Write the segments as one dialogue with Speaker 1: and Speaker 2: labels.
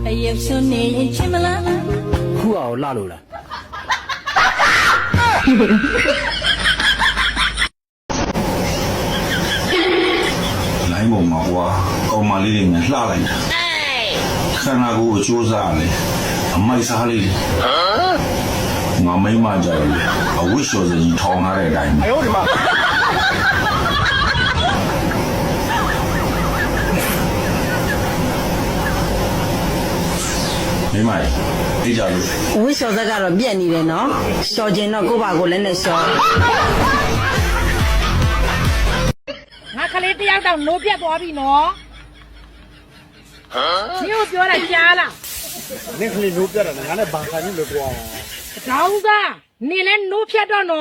Speaker 1: ရုပ်ရှင်နေရင်ချင်မလား
Speaker 2: ခုအောင်လှလို့လား
Speaker 3: လိုင်းပေါ်မှာကွာကောင်မလေးတွေနဲ့လှလိုက်တာခန္ဓာကိုယ်ကိုစူးစမ်းတယ်အမိုက်စားလေးငါမိမကြတယ်အဝိရှောစကြီးထောင်းထားတဲ့အတိုင်း哎呦我的妈မိမအေးကြလို့
Speaker 1: ဝိရှော်သက်ကတော့ပြက်နေတယ်နော်ရှော်ကျင်တော့ကိုယ့်ဘာကိုလည်းနဲ့ရှော်
Speaker 4: ငါကလေးတယောက်တော့နိုးပြတ်သွားပြီနော်ဟမ်ဒီကိုပြောလိုက်ကြားလား
Speaker 2: နင့်ကလေးနိုးပြတာငါနဲ့ဘာခံနေလို့ကွာ
Speaker 4: တောင်းစားနေလဲနိုးဖြတ်တော့နော်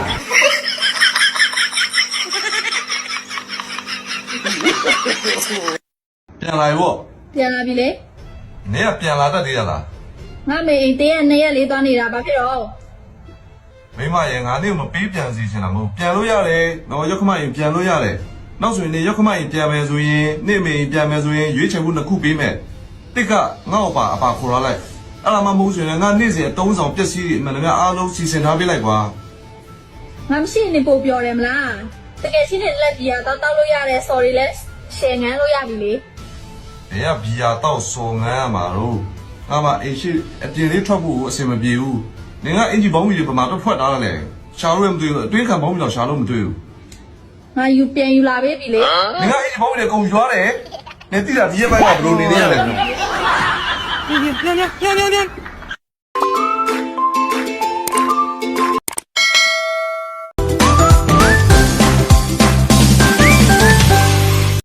Speaker 5: ပြန်လာရော
Speaker 6: ပြန်လာပြီလေ
Speaker 5: နင်ကပြန်လာတတ်သေးရလား
Speaker 6: ငါမေအိမ်တင်းရဲ့2ရက်လေးသွားနေတာဘာဖြစ်တော့
Speaker 5: မိမရဲ့ငါနေ့ကမပေးပြန်စီချင်တာမဟုတ်ပြန်လို့ရတယ်တော့ရောက်ခမရင်ပြန်လို့ရတယ်နောက်ဆိုရင်နေရောက်ခမရင်ပြန်မယ်ဆိုရင်နေ့မေရင်ပြန်မယ်ဆိုရင်ရွေးချယ်မှု2ခုပေးမယ်တစ်ကငါ့အပါခေါ်ရလိုက်အဲ့ဒါမှမဟုတ်ဆိုရင်ငါနေ့စဉ်အတုံးဆောင်ပျက်စီးတွေအမှန်တကယ်အားလုံးစီစဉ်ထားပေးလိုက်ကွာ
Speaker 6: ငါမရှိနေပို့ပြောတယ်မလားတကယ်ချင်းနဲ့လက်ကြီးတော့တောက်လို့ရတယ် sorry လဲ share ငန်းလို့ရပြီလေ
Speaker 5: ဘယ်ကဘီယာတော့စော်ငန်းရမှာတော့ငါမှအိမ်ရှိအပြင်လေးထွက်ဖို့အဆင်မပြေဘူးနင်ကအင်ဂျီဘောင်းမီတွေပမာတော့ဖွက်ထားတယ်ရှာလို့မတွေ့ဘူးအတွင်းခံဘောင်းမီတော့ရှာလို့မတွေ့ဘူး
Speaker 6: ငါယူပြန်ယူလာပေးပြီလေ
Speaker 5: 你看，一包的公园嘞，那地上底下摆个不露脸的嘞。
Speaker 2: ပြန်